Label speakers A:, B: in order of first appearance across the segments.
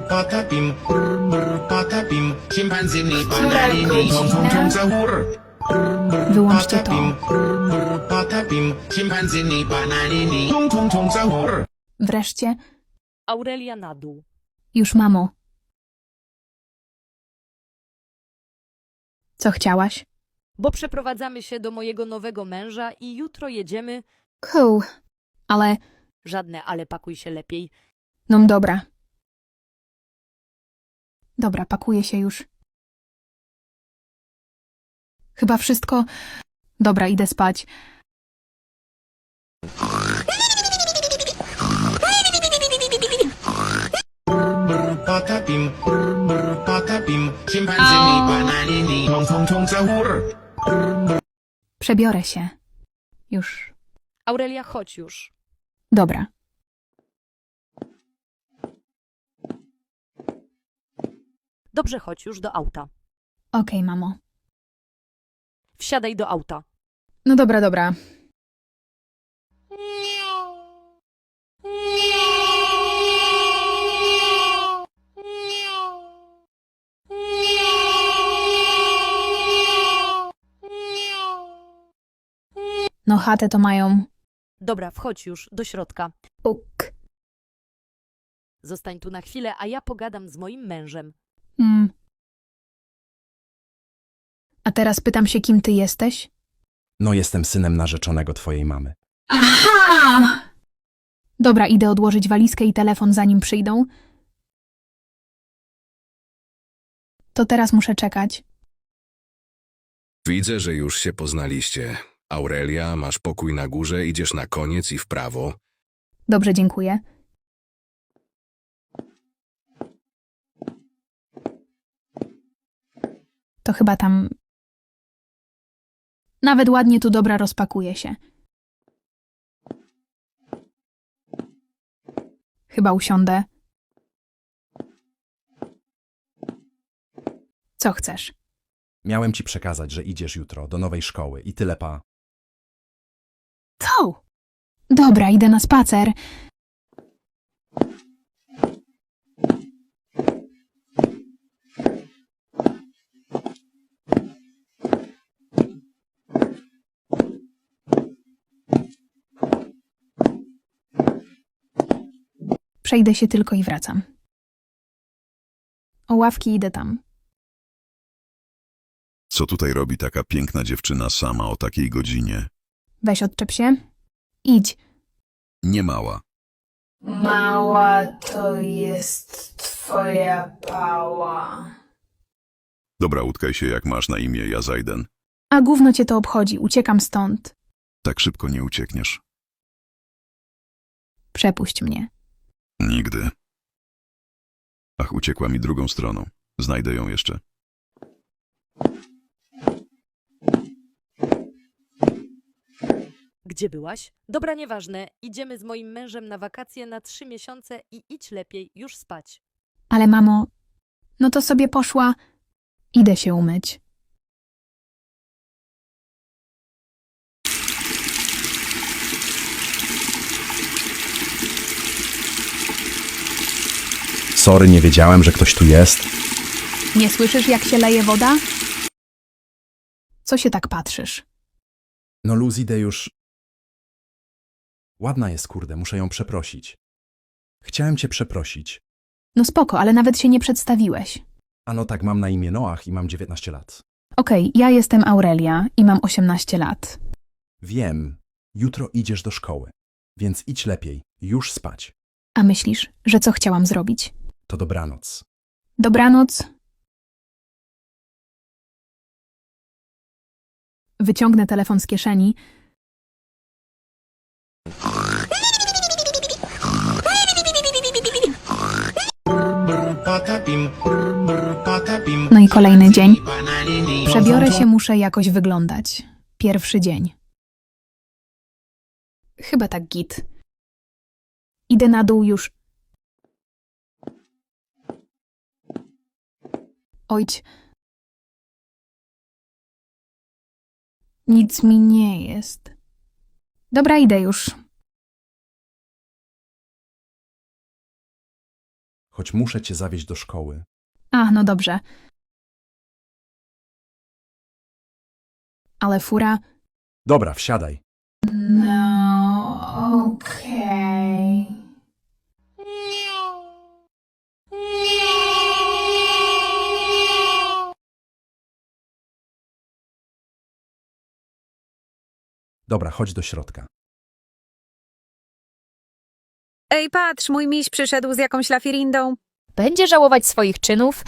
A: patapim, patapim, szympanzini, bananini, tung za gór.
B: Wyłączcie to.
A: Patapim, szympanzini, bananini, tung za gór.
B: Wreszcie.
C: Aurelia na dół.
B: Już, mamo. Co chciałaś?
C: Bo przeprowadzamy się do mojego nowego męża i jutro jedziemy.
B: Cool. Ale...
C: Żadne ale, pakuj się lepiej.
B: No dobra. Dobra, pakuję się już. Chyba wszystko... Dobra, idę spać.
A: Patapim, patapim, szympanzini, bananini, tung za gór.
B: Przebiorę się. Już.
C: Aurelia, chodź już.
B: Dobra.
C: Dobrze, chodź już do auta.
B: Okej, mamo.
C: Wsiadaj do auta.
B: No dobra, dobra. No chatę to mają...
C: Dobra, wchodź już do środka.
B: Puk.
C: Zostań tu na chwilę, a ja pogadam z moim mężem.
B: A teraz pytam się, kim ty jesteś?
D: No, jestem synem narzeczonego twojej mamy.
B: Aha! Dobra, idę odłożyć walizkę i telefon, zanim przyjdą. To teraz muszę czekać.
E: Widzę, że już się poznaliście. Aurelia, masz pokój na górze, idziesz na koniec i w prawo.
B: Dobrze, dziękuję. To chyba tam... Nawet ładnie tu, dobra, rozpakuje się. Chyba usiądę. Co chcesz?
D: Miałem ci przekazać, że idziesz jutro do nowej szkoły i tyle, pa.
B: Co? Dobra, idę na spacer. Przejdę się tylko i wracam. O ławki idę tam.
F: Co tutaj robi taka piękna dziewczyna sama o takiej godzinie?
B: Weź odczep się. Idź.
F: Nie mała.
B: Mała to jest twoja pała.
F: Dobra, utkaj się jak masz na imię, ja zajdę.
B: A gówno cię to obchodzi, uciekam stąd.
F: Tak szybko nie uciekniesz.
B: Przepuść mnie.
F: Nigdy. Ach, uciekła mi drugą stroną. Znajdę ją jeszcze.
C: Gdzie byłaś? Dobra, nieważne. Idziemy z moim mężem na wakacje na 3 miesiące i idź lepiej, już spać.
B: Ale mamo, no to sobie poszła. Idę się umyć.
D: Sorry, nie wiedziałem, że ktoś tu jest.
B: Nie słyszysz, jak się leje woda? Co się tak patrzysz?
D: No luz, idę już. Ładna jest, kurde, muszę ją przeprosić. Chciałem cię przeprosić.
B: No spoko, ale nawet się nie przedstawiłeś.
D: A no tak, mam na imię Noach i mam 19 lat.
B: Okej, ja jestem Aurelia i mam 18 lat.
D: Wiem, jutro idziesz do szkoły, więc idź lepiej, już spać.
B: A myślisz, że co chciałam zrobić?
D: To dobranoc.
B: Dobranoc. Wyciągnę telefon z kieszeni.
A: Patapim, patapim,
B: No i kolejny dzień.
A: bananini,
B: Przebiorę się, muszę jakoś wyglądać. Pierwszy dzień. Chyba tak git. Idę na dół już. Ojć. Nic mi nie jest. Dobra, idę już.
D: choć muszę cię zawieźć do szkoły.
B: A, no dobrze. Ale fura...
D: Dobra, wsiadaj.
B: No, okej.
D: Dobra, chodź do środka.
G: Ej, patrz, mój miś przyszedł z jakąś lafirindą.
H: Będzie żałować swoich czynów.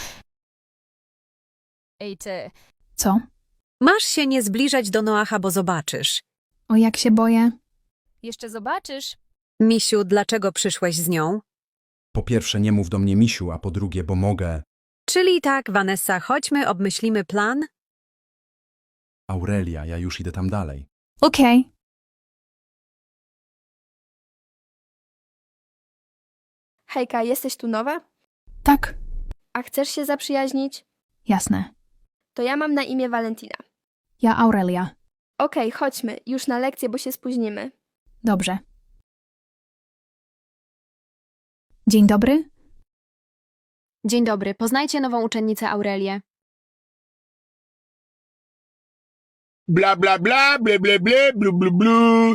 H: Ej ty,
B: Co?
G: Masz się nie zbliżać do Noacha, bo zobaczysz.
B: O, jak się boję.
H: jeszcze zobaczysz.
G: Misiu, dlaczego przyszłeś z nią?
D: Po pierwsze, nie mów do mnie misiu, a po drugie, bo mogę...
G: Czyli tak, Vanessa, chodźmy, obmyślimy plan.
D: Aurelia, ja już idę tam dalej.
B: Okej.
I: Hejka, jesteś tu nowa?
B: Tak,
I: A chcesz się zaprzyjaźnić?
B: jasne.
I: To ja mam na imię Valentina.
B: Ja Aurelia.
I: Okej, chodźmy, już na lekcję, bo się spóźnimy.
B: Dobrze. Dzień dobry.
J: Dzień dobry, poznajcie nową uczennicę Aurelię.
A: Bla bla bla, ble ble ble, blu blu blu.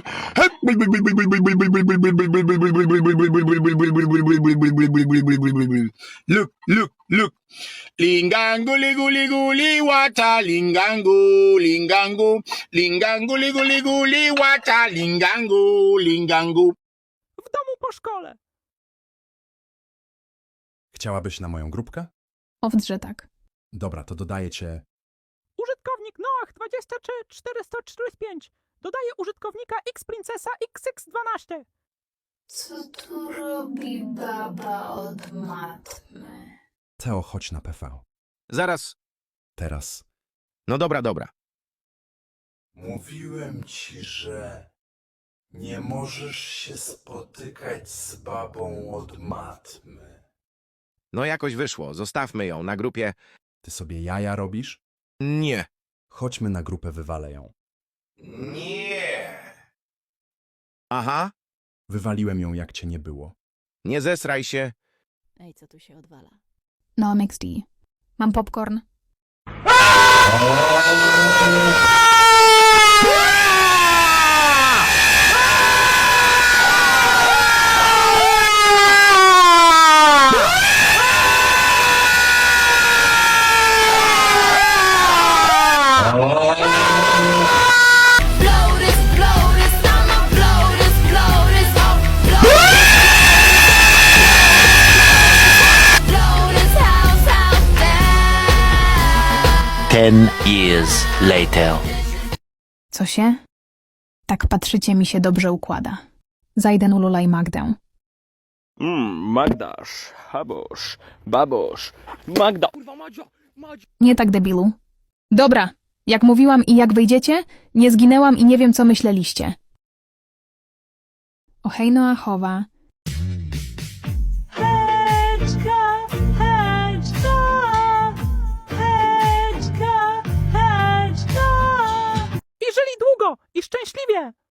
A: Look, look, look. Lingango, ligu, ligu, liwata, lingango, lingango, lingango, ligu, ligu, liwata, lingango, lingango.
K: W domu po szkole.
D: Chciałabyś na moją grupkę?
B: Owdrze tak.
D: Dobra, to dodaję cię...
K: Użytkownik Noach 23445. Dodaje użytkownika X-Princesa XX12.
B: Co tu robi baba od matmy?
D: Teo, chodź na PV.
L: Zaraz.
D: Teraz.
L: No dobra, dobra.
A: Mówiłem ci, że nie możesz się spotykać z babą od matmy.
L: No jakoś wyszło. Zostawmy ją na grupie.
D: Ty sobie jaja robisz?
L: Nie.
D: Chodźmy na grupę, wywalę ją.
A: Nie.
L: Aha.
D: Wywaliłem ją, jak cię nie było.
L: Nie zesraj się.
H: Ej, co tu się odwala?
B: No, MXD. Mam popcorn.
M: Years later.
B: Co się? Tak patrzycie, mi się dobrze układa. Zajdę ululaj Magdę.
K: Magdasz, habosz, babosz, Magda. Kurwa, Madzia.
B: Nie tak, debilu. Dobra, jak mówiłam i jak wyjdziecie, nie zginęłam i nie wiem, co myśleliście. O hej Noachowa,